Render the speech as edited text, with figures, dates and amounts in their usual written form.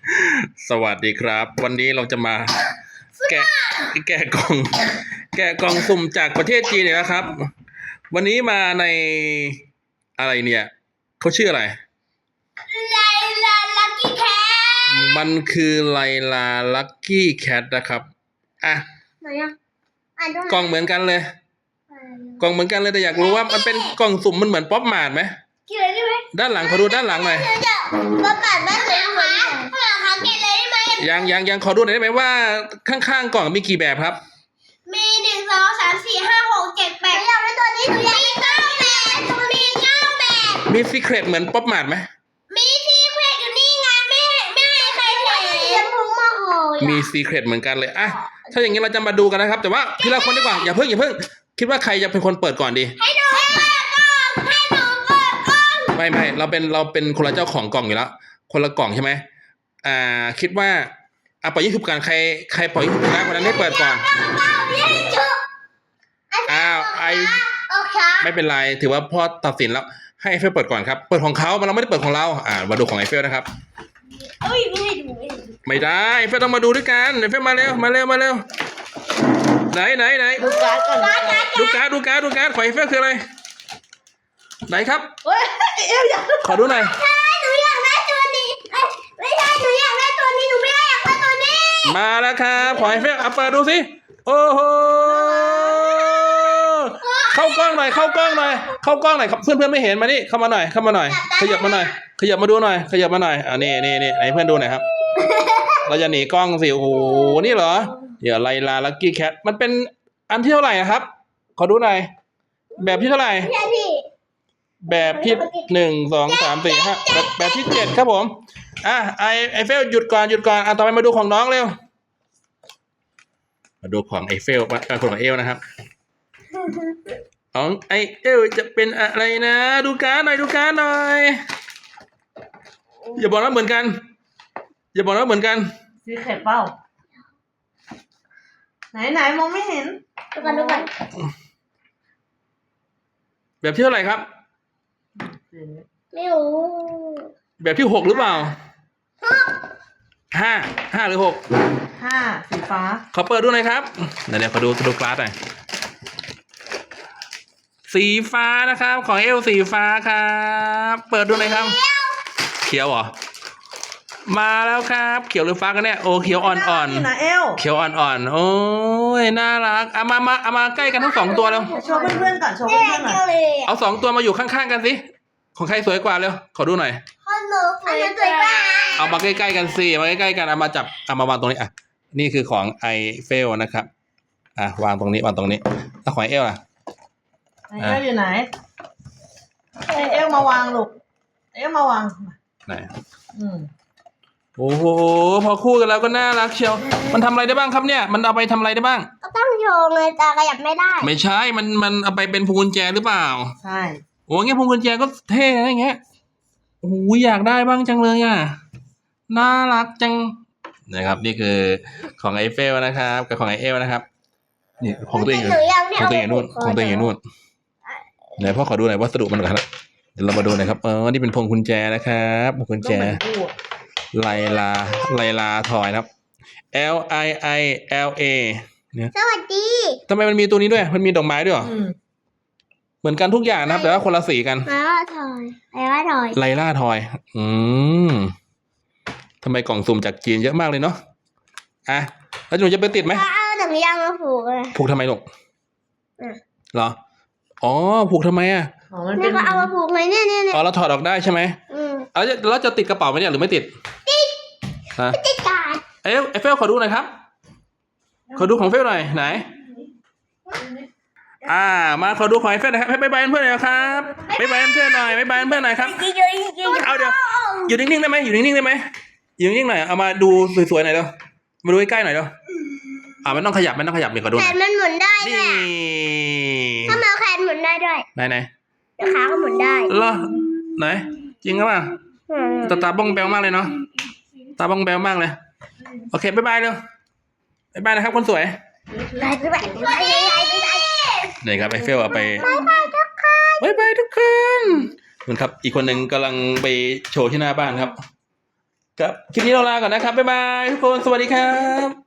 สวัสดีครับ วันนี้เราจะมาแกะแกะกล่อง แกะกล่องสุ่มจากประเทศจีนเนี่ยนะครับ วันนี้มาในอะไรเนี่ยเขาชื่ออะไรไลลาลักกี้แคทมันคือไลลาลักกี้แคทนะครับอ่ะไหนอ่ะอ่านด้วยกล่องเหมือนกันเลยกล่องเหมือนกันเลยแต่อยากรู้ว่ามันเป็นกล่องสุ่มมันเหมือนป๊อปมาร์ทไหมกินเลยได้ไหมด้านหลังขอดูด้านหลังหน่อยประกาศบ้านเลยนะคะคะกินเลยได้ไหมยังขอดูหน่อยได้ไหมว่าข้างๆกล่องมีกี่แบบครับมี1 2 3 4 5 6 7 8อยากได้ตัวนี้มี9 แบบมี9 แบบมีซีเครตเหมือนป๊อปมาร์ทไหมมีที่แขวนอยู่นี่ไงไม่ให้ใครเห็นยังพุ่งมาห่อมีซีเครตเหมือนกันเลยอ่ะถ้าอย่างนี้เราจะมาดูกันนะครับแต่ว่าทีละคนดีกว่าอย่าเพิ่งคิดว่าใครจะเป็นคนเปิดก่อนดีให้หนูเปิดกล่องให้หนูเปิดกล่องไม่เราเป็นคนละเจ้าของกล่องอยู่แล้วคนละกล่องใช่ไหมคิดว่าปล่อยยิงฉุบกันใครปล่อยยิงฉุบนะคนนั้นได้เปิดก่อนโอเคไม่เป็นไรถือว่าพ่อตัดสินแล้วให้ไอเฟลเปิดก่อนครับเปิดของเขาเราไม่ได้เปิดของเรามาดูของไอเฟลนะครับไม่ได้ไอเฟลต้องมาดูด้วยกันไอเฟลมาเร็วไหนดูการ์ดก่อนดูการ์ดของไอเฟลคืออะไรไหนครับขอดูหน่อยหนูอยากได้ตัวนี้ไม่ใช่หนูอยากได้ตัวนี้หนูไม่ได้อยากได้ตัวนี้มาแล้วครับของไอเฟลเปิดดูสิโอ้โหเข้ากล้องหน่อยครับเพื่อนไม่เห็นมานี่เข้ามาหน่อยขยับมาดูหน่อยนี่ไหนเพื่อนดูหน่อยครับ เราจะหนีกล้องสิโอ้โหนี่เหรอเดี๋ยวไลลาลักกี้แคทมันเป็นอันที่เท่าไหร่ครับขอดูหน่อยแบบที่เท่าไหร่แบบที่1 2 3 4 5แบบที่7ครับผมไอเฟลหยุดก่อนต่อไปมาดูของน้องเร็วมาดูของไอเฟลของเอลนะครับของไอเอลจะเป็นอะไรนะดูการ์ดหน่อยอย่าบอกว่าเหมือนกันซีเคร็ตเปล่าไหนมองไม่เห็นดูกันแบบที่เท่าไหร่ครับไม่รู้แบบที่6หรือเปล่า5หรือ 5สีฟ้าขอเปิดดูหน่อยครับเดี๋ยวขอดูกราฟหน่อยสีฟ้านะครับของเอลสีฟ้าครับเปิดดูหน่อยครับเขียวเหรอมาแล้วครับเขียวหรือฟ้ากันเนี่ยโอ้เขียวอ่อนๆเขียวอ่อนๆโอ้ยน่ารักเอามาใกล้กันทั้ง2ตัวแล้วโชว์เพื่อนๆก่อนโชว์เพื่อนๆหน่อยเอา2ตัวมาอยู่ข้างๆกันสิของใครสวยกว่าเร็วขอดูหน่อยอันนี้สวยกว่าเอามาใกล้ๆกันสิมาใกล้ๆกันเอามาจับเอามาวางตรงนี้นี่คือของไอเฟลนะครับวางตรงนี้แล้วของไอเอลไอเอลอยู่ไหนไอเอลมาวางลูกไหนโอ้โหพอคู่กันแล้วก็น่ารักเชียวมันทำอะไรได้บ้างครับเนี่ยมันเอาไปทำอะไรได้บ้างก็ต้องโยงเลยแต่ขยับไม่ได้ไม่ใช่มันเอาไปเป็นพวงกุญแจหรือเปล่าใช่โอ้เงี้ยพวงกุญแจก็เท่นะอย่างเงี้ยโอ้ยอยากได้บ้างจังเลยน่ารักจังนะครับนี่คือของไอเฟลนะครับกับของไอเอลนะครับนี่ของตัวเองอยู่นู่นไหนพ่อขอดูหน่อยวัสดุมันก่อนเดี๋ยวเรามาดูหน่อยครับนี่เป็นพวงกุญแจนะครับพวงกุญแจไลลาทอยนะครับ LIILA เนี่ยสวัสดีทำไมมันมีตัวนี้ด้วยมันมีดอกไม้ด้วยเหรอเหมือนกันทุกอย่างนะครับแต่ว่าคนละสีกันไลล่าทอยทำไมกล่องสุ่มจากจีนเยอะมากเลยเนาะแล้วหนูจะไปติดไหมเอาหนังยางมาผูกเลยผูกทำไมลูกเหรออ๋อผูกทำไมนี่ก็เอามาผูกเลยเนี่ยเราถอดออกได้ใช่ไหมแล้วจะติดกระเป๋าไหมเนี่ยหรือไม่ติดติดการ์ดไอเฟลขอดูหน่อยครับขอดูของเฟลหน่อยไหนมาขอดูของไอเฟลหน่อยครับให้ไปเพื่อนหน่อยครับไปเพื่อนหน่อยครับเอาเดี๋ยวอยู่นิ่งๆได้ไหมอยู่นิ่งๆหน่อยเอามาดูสวยๆหน่อยเร็วมาดูใกล้ๆหน่อยเร็วมันต้องขยับนี่ขอดูแขนมันหมุนได้นี่ถ้ามาแขนหมุนได้ด้วยไหนขาก็หมุนได้เหรอไหนจริงหรือเปล่าตาบ้องแบวมากเลยเนาะตาบ้องแบวมากเลยโอเคบ๊ายบายเร็วบ๊ายบายนะครับคนสวยบ๊ายบายนี่ครับไอเฟลเอาไปบ๊ายบายทุกคน เหมือนครับอีกคนหนึ่งกำลังไปโชว์ที่หน้าบ้านครับครับคลิปนี้เราลาก่อนนะครับบ๊ายบายทุกคนสวัสดีครับ